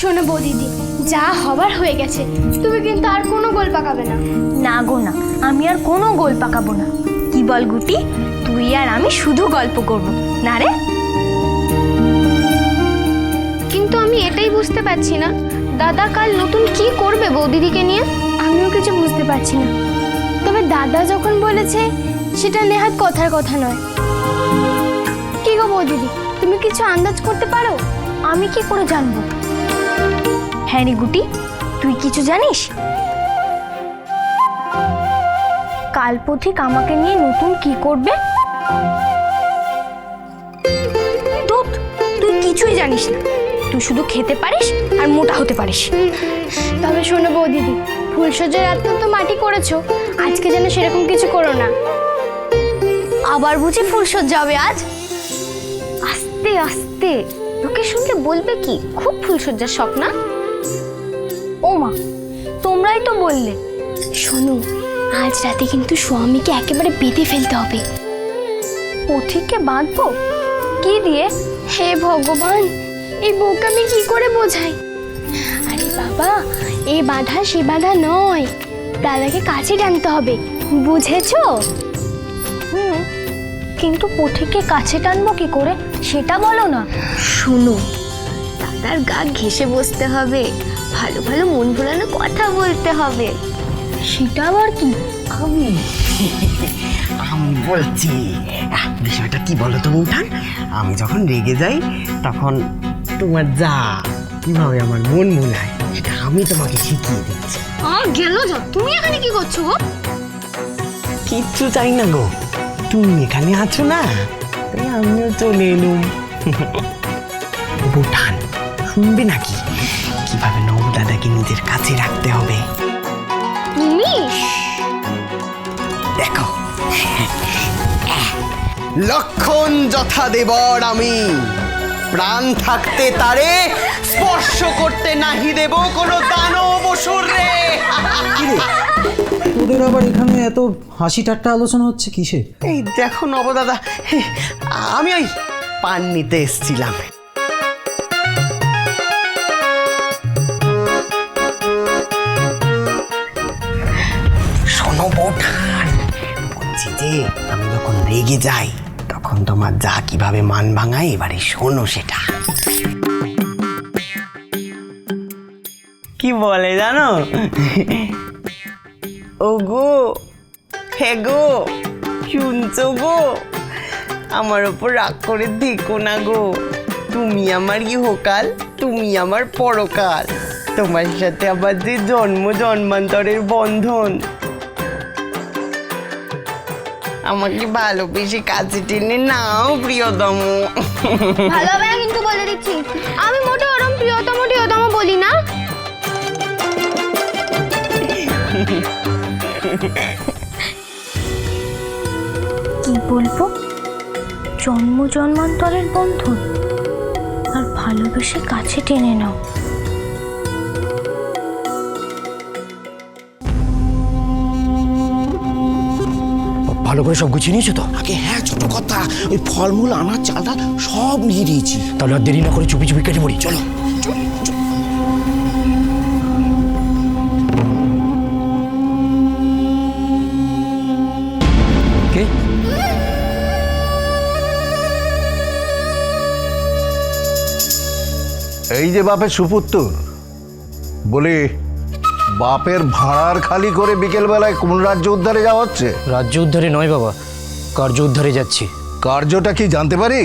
শোনো বৌদিদি, যা হবার হয়ে গেছে, তুমি কিন্তু আর কোনো গোল পাকাবে না। না গো না, আমি আর কোনো গোল পাকাবো না। কি বল গুটি, তুই আর আমি শুধু গল্প করব না রে? কিন্তু আমি এটাই বুঝতে পারছি না, দাদা কাল নতুন কি করবে বৌদিদিকে নিয়ে। আমিও কিছু বুঝতে পারছি না, তবে দাদা যখন বলেছে সেটা নেহাত কথার কথা নয়। কি গো বৌদিদি, তুমি কিছু আন্দাজ করতে পারো? আমি কি করে জানবো? হ্যাঁ রে গুটি, তুই কিছু জানিস? কাল পথিক আমাকে নিয়ে নতুন কি করবে? তুই কিছুই জানিস না, তুই শুধু খেতে পারিস আর মোটা হতে পারিস। তবে শোনো বৌদিদি, ফুলসজ্জার রাত তো মাটি করেছো, আজকে যেন সেরকম কিছু করো না। আবার বুঝি ফুলসজ্জা হবে আজ? আস্তে আস্তে, তোকে শুনলে বলবে কি খুব ফুলসজ্জার শখ না? ও মা, তোমরাই তো বললে। শোনো, আজ রাতে কিন্তু স্বামীকে একেবারে বেঁধে ফেলতে হবে। পথিককে বাঁধবো? কি দিয়ে? হে ভগবান, এই বউকে আমি কি করে বোঝাই? আরে বাবা, এই বাধা সে বাধা নয়, দাদাকে কাছে টানতে হবে, বুঝেছো? কিন্তু পথিককে কাছে টানবো কি করে সেটা বলো না। শোনো, দাদার গা ঘেঁষে বসতে হবে, ভালো ভালো মন ভোলানো কথা বলতে হবে। সেটা আবার কি? আমি বলছি, বিষয়টা কি বলো তো বৌঠান, আমি যখন রেগে যাই তখন তোমার যা কিভাবে আমার মন মোলায় সেটা আমি তোমাকে শিখিয়ে দিচ্ছি। গেল যা, তুমি এখানে কি করছো গো? কিচ্ছু চাই না গো, তুমি এখানে আছো না, তাই আমিও চলে এলুম। বৌঠান, শুনবে নাকি কিভাবে নব দাদাকে নিজের কাছে রাখতে হবে? তুমি দেখো, লক্ষণ যথা দেবর আমি, প্রাণ থাকতে তারে স্পর্শ করতে নাহি দেব কোনো দানব অসুর রে। তোদের আবার এখানে এত হাসি ঠাট্টা আলোচনা হচ্ছে কিসে? এই দেখো নবদাদা, আমি ওই পান নিতে এসছিলাম। শোনো বৌঠান, বলছি যে আমি যখন রেগে যাই তখন তোমার যা কিভাবে মান ভাঙায়, এবারে শোনো সেটা। কি বলে জানো? ও গো, হে গো, শুনছো গো, আমার ওপর রাগ করে দেখো না গো, তুমি আমার ইহকাল, তুমি আমার পরকাল, তোমার সাথে আবার যে জন্ম জন্মান্তরের বন্ধন, আমাকে ভালোবেসে কাছে টেনে নাও প্রিয়তম। ভালো হবে না কিন্তু বলে দিচ্ছি, আমি মোটে ওরম প্রিয়তম প্রিয়তম বলি না। কি বলবো? জন্ম জন্মান্তরের বন্ধন আর ভালোবেসে কাছে টেনে নাও। ভালো করে সব গুছিয়ে নিয়েছো তো? আগে হ্যাঁ, ছোট কথা, ওই ফলমূল আনার চালটা সব নিয়ে নিয়েছি। তাহলে আর দেরি না করে চুপি চুপি কেটে পড়ি, চলো। কে? এই যে বাপের সুপুত্র, বলি বাপের ভাড়ার খালি করে বিকেল বেলায় কোন রাজ্য উদ্ধারে যাওয়া হচ্ছে? রাজ্য উদ্ধারে নয় বাবা, কার্য উদ্ধারে যাচ্ছি। কার্যটা কি জানতে পারি?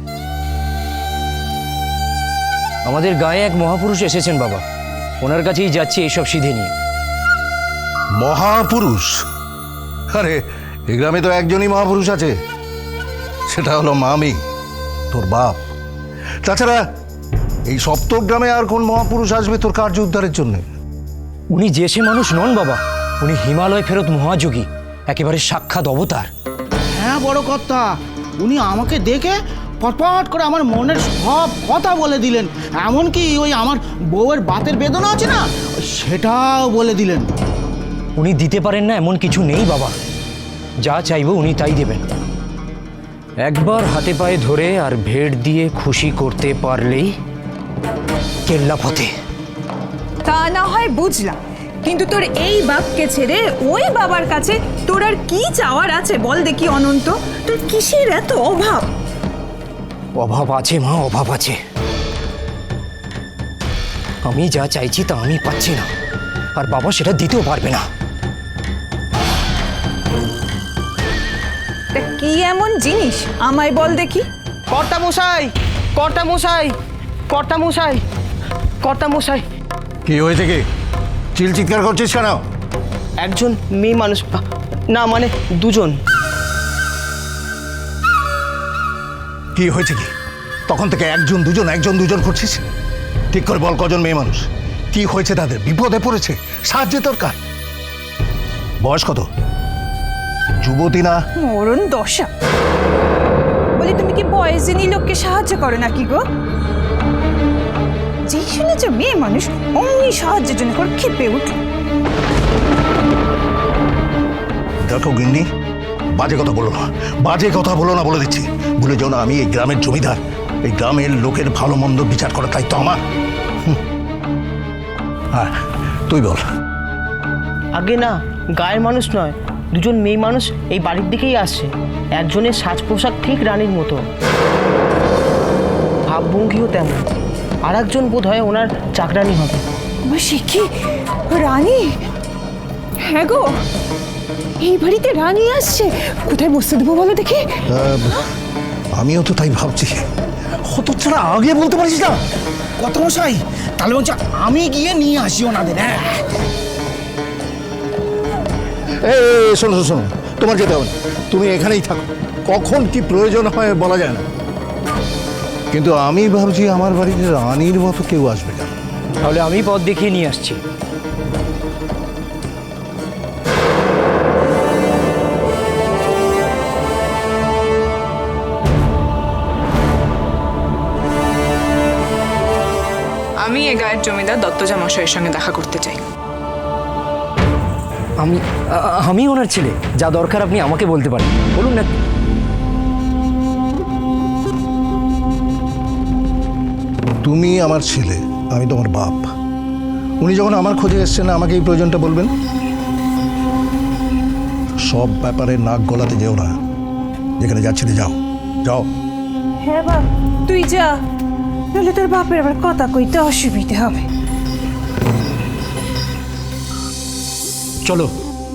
আমাদের গায়ে এক মহাপুরুষ এসেছেন বাবা, ওনার কাছেই যাচ্ছি এইসব সিধে নিয়ে। মহাপুরুষ? আরে এই গ্রামে তো একজনই মহাপুরুষ আছে, সেটা হলো মামি, তোর বাপ। তাছাড়া এই সপ্তক গ্রামে আর কোন মহাপুরুষ আসবে তোর কার্য উদ্ধারের জন্য? উনি যে সে মানুষ নন বাবা, উনি হিমালয় ফেরত মহাযোগী, একেবারে সাক্ষাৎ অবতার। হ্যাঁ বড় কথা, উনি আমাকে দেখে পটপট করে আমার মনের সব কথা বলে দিলেন, এমনকি ওই আমার বউয়ের বাতের বেদনা আছে না, সেটাও বলে দিলেন। উনি দিতে পারেন না এমন কিছু নেই বাবা, যা চাইবো উনি তাই দেবেন। একবার হাতে পায়ে ধরে আর ভেট দিয়ে খুশি করতে পারলেই কেল্লা ফতে। তা না হয় বুঝলাম, কিন্তু তোর এই বাপকে ছেড়ে ওই বাবার কাছে তোর আর কি চাওয়ার আছে বল দেখি অনন্ত? তোর কিসের এত অভাব? অভাব আছে মা, অভাব আছে। আমি যা চাইছি তা আমি পাচ্ছি না, আর বাবা সেটা দিতেও পারবে না। তা কি এমন জিনিস আমায় বল দেখি। কর্তা মশাই, কর্তা মশাই, কর্তা মশাই, কর্তা মশাই। কি হয়েছে কি? চিৎকার করছিস কেন? একজন মেয়ে মানুষ, না মানে দুজন। কি হয়েছে কি? তখন থেকে একজন দুজন করছিস। ঠিক করে বল, কজন মেয়ে মানুষ, কি হয়েছে তাদের? বিপদে পড়েছে, সাহায্যের দরকার। বয়স কত? যুবতী না? মরণ দশা। বলি তুমি কি বয়সিনী লোককে সাহায্য করো নাকি গো? যেই শুনেছ মেয়ে মানুষ অমনি সাহায্যের জন্য করে ক্ষেপে উঠল। দেখো গিন্নি, বাজে কথা বলো না, বাজে কথা বলো না বলে দিচ্ছি। ভুলে যাও না আমি এই গ্রামের জমিদার, এই গ্রামের লোকের ভালো মন্দ বিচার করার দায়িত্ব আমার। হ্যাঁ, তুই বল। আগে না, গায়ের মানুষ নয়, দুজন মেয়ে মানুষ এই বাড়ির দিকেই আসছে। একজনের সাজ পোশাক ঠিক রানীর মতো, ভাবভঙ্গিও তেমন। আর একজন বোধ হয় ওনার চাকরানি হবে। সে কি রানী? হ্যাঁ গো, এই বাড়িতে রানী আসছে। কোথায় বসতে দেবো বলো দেখি? আমিও তো তাই ভাবছি। হত ছাড়া আগে বলতে পারিস না? কত মশাই, তাহলে বলছে আমি গিয়ে নিয়ে আসি ওনাদের। হ্যাঁ, শোনো শোনো, তোমার যেতে হবে না, তুমি এখানেই থাকো। কখন কি প্রয়োজন হয় বলা যায় না। কিন্তু আমি ভাবছি আমার বাড়িতে রানীর মতো কেউ আসবে না। তাহলে আমি পথ দেখিয়ে নিয়ে আসছি। আমি এ গায়ের জমিদার দত্তজা মশাইয়ের সঙ্গে দেখা করতে চাই। আমি ওনার ছেলে, যা দরকার আপনি আমাকে বলতে পারেন, বলুন না। তুমি আমার ছেলে, আমি তোমার বাপ। উনি যখন আমার খোঁজে এসছেন, আমাকে এই প্রয়োজনটা বলবেন। সব ব্যাপারে নাক গলাতে যেও না। যেখানে যাচ্ছিলে যাও, যাও। হ্যাঁ বাপ, তুই যা, নাহলে তোর বাপের আবার কথা কইতে অসুবিধে হবে। চলো।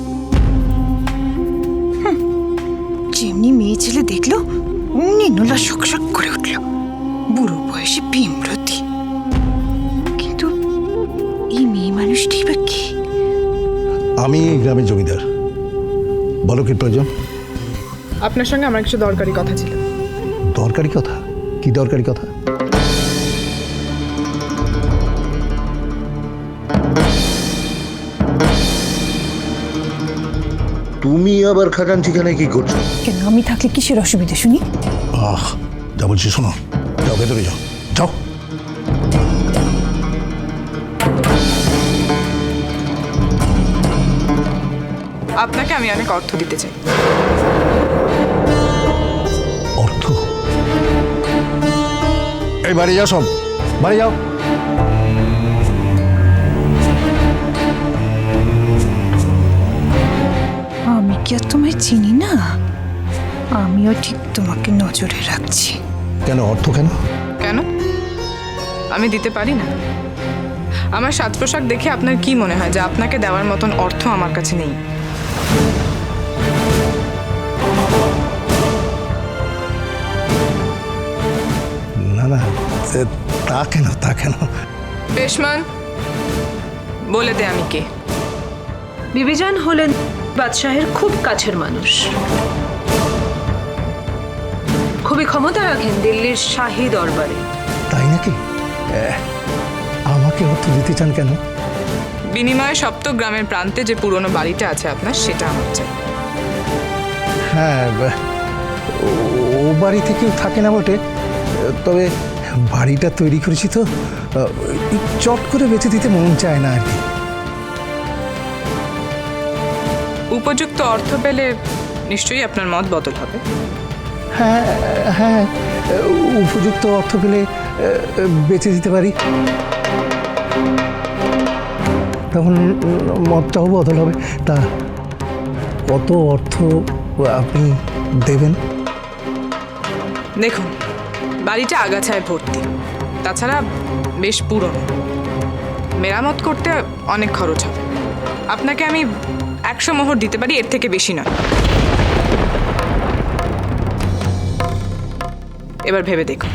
যেমনি মেয়ে ছেলে দেখলো অমনি নোলা শকশক করে উঠল। বুড়ো বয়সে বিমরতি। কিন্তু এই মেয়ে মানুষটি বা কি? আমি এই গ্রামের জমিদার, বলো কি প্রয়োজন? আপনার সঙ্গে আমার কিছু দরকারি কথা ছিল। দরকারি কথা? কি দরকারি কথা? তুমি আবার খাজানচিখানে কি করছো? কেন, আমি থাকলে কিসের অসুবিধা শুনি? যা বলছি শোনো, যাও ভেতরে যাও, যাও। আপনাকে আমি অনেক অর্থ দিতে চাই। অর্থ? এই বাড়ি যাও, সব বাড়ি যাও। আমি কি আর তোমায় চিনি না? আমিও ঠিক তোমাকে নজরে রাখছি। কেন অর্থ কেন? কেন? আমি দিতে পারি না? আমার সাজ পোশাক দেখে আপনার কি মনে হয় যে আপনাকে দেওয়ার মতন অর্থ আমার কাছে নেই? না না, তা কেন, তা কেন? পেশমান, বলে দে আমি কে? বিবিজান হলেন বাদশাহের খুব কাছের মানুষ। খুবই ক্ষমতা রাখেন দিল্লির শাহী দরবারে। তাই নাকি? আমাকে অর্থ দিতে চান কেন? বিনিময়ে সপ্ত গ্রামের প্রান্তে যে পুরনো বাড়িটা আছে আপনার, সেটা আমার চাই। হ্যাঁ, ও বাড়িতে কেউ থাকে না বটে, তবে বাড়িটা তৈরি করেছি তো, চট করে বেঁচে দিতে মন চায় না আর কি। উপযুক্ত অর্থ পেলে নিশ্চয়ই আপনার মত বদল হবে। হ্যাঁ হ্যাঁ, উপযুক্ত অর্থ পেলে বেঁচে দিতে পারি। তখন মতটাও বদল হবে। তা কত অর্থ আপনি দেবেন? দেখুন, বাড়িটা আগাছায় ভর্তি, তাছাড়া বেশ পুরনো, মেরামত করতে অনেক খরচ হবে। আপনাকে আমি 100 মোহর দিতে পারি, এর থেকে বেশি নয়। এবার ভেবে দেখুন।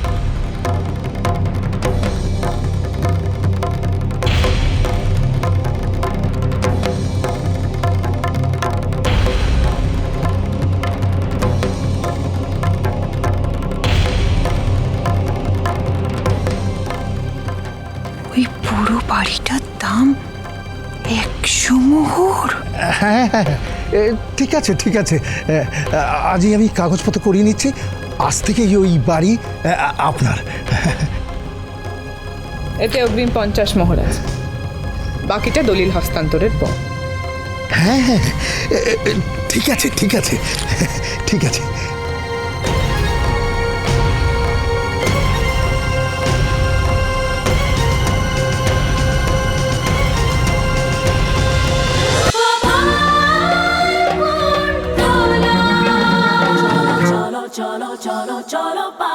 ওই পুরো বাড়িটার দাম 100 মোহর। হ্যাঁ হ্যাঁ, ঠিক আছে ঠিক আছে, আজই আমি কাগজপত্র করিয়ে নিচ্ছি। আজ থেকেই ওই বাড়ি আপনার। এতে অগ্রিম 50 মোহর আছে, বাকিটা দলিল হস্তান্তরের পর। হ্যাঁ হ্যাঁ, ঠিক আছে ঠিক আছে ঠিক আছে। cholo, cholo, cholo,